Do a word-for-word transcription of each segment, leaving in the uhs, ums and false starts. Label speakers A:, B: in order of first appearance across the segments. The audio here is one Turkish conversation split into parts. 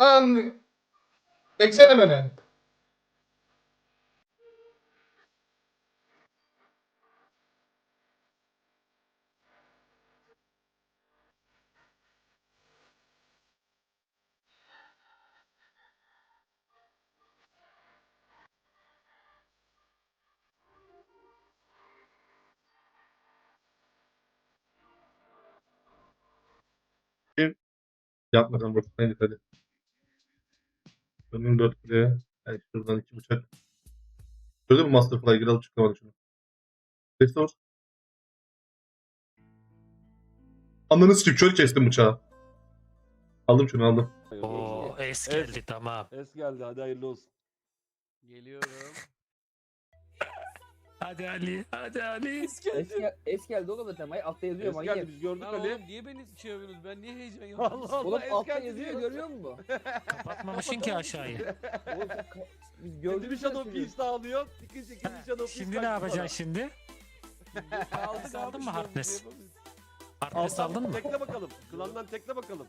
A: Lan beksene beni. Bir yapmadan bak. Hadi hadi. Önüm dört buraya. Yani şuradan iki bıçak. Şöyle bir Masterfly gir alıp çıkamadı şunu. Restore. Ananı sikip şöyle kestim bıçağı. Aldım şunu aldım.
B: Oo, es
C: Es.
B: geldi tamam.
C: Es geldi, hadi hayırlı olsun.
D: Geliyorum.
B: Hadi Ali, hadi Ali.
C: Es geldi.
E: Es, gel es geldi oğlum zaten. Ay, altta yazıyor
C: Es
E: manyak.
C: geldi, biz gördük
D: Lan
C: Ali.
D: oğlum niye beni şey yapıyorsunuz? Ben niye heyecan yapıyorum?
C: Allah Allah.
E: Oğlum
C: es
E: altta
C: geldi
E: yazıyor
C: diyor.
E: görüyor musun?
B: Kapatmamışsın ki aşağıyı.
E: Oğlum sen ka- biz
C: Gördüm
E: gördük
C: bir Shadow Piece sağlıyor. İkinci ikinci Shadow Piece.
B: Şimdi ne yapacaksın şimdi?
D: Aldık
B: Aldın
D: abi,
B: mı
D: şu an
B: Harkness?
D: şey yapamayız.
B: Harkness aldın mı?
C: Tekle bakalım. Klandan tekle bakalım.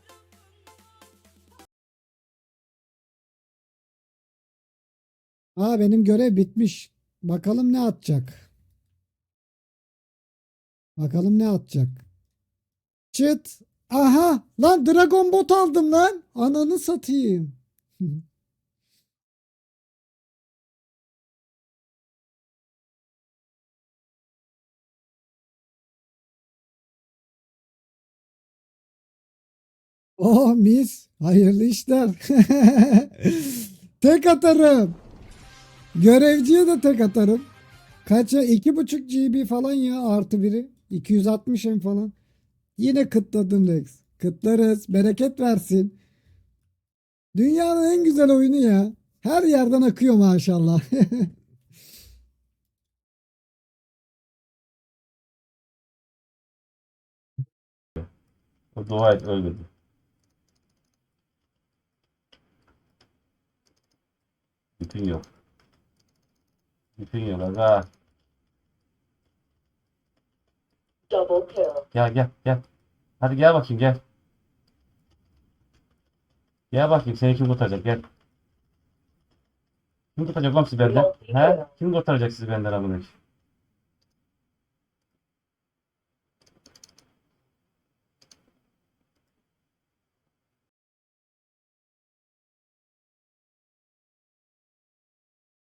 F: Aa benim görev bitmiş. Bakalım ne atacak. Bakalım ne atacak. Çıt. Aha lan Dragon Bot aldım lan. Ananı satayım. Oh mis. Hayırlı işler. Tek atarım. Görevciye de tek atarım. Kaça? iki buçuk G B falan ya artı biri. iki yüz altmış M falan. Yine kıtladım Rex. Kıtlarız. Bereket versin. Dünyanın en güzel oyunu ya. Her yerden akıyor maşallah.
G: O dua et ölmedi. Bütün yok. Bütün yok aga.
H: Double kill.
G: Gel gel gel. Hadi gel bakayım gel. Gel bakayım seni kim kurtaracak gel. Kim kurtaracak lan sizi benden? He? Kim kurtaracak sizi benden amına koyayım?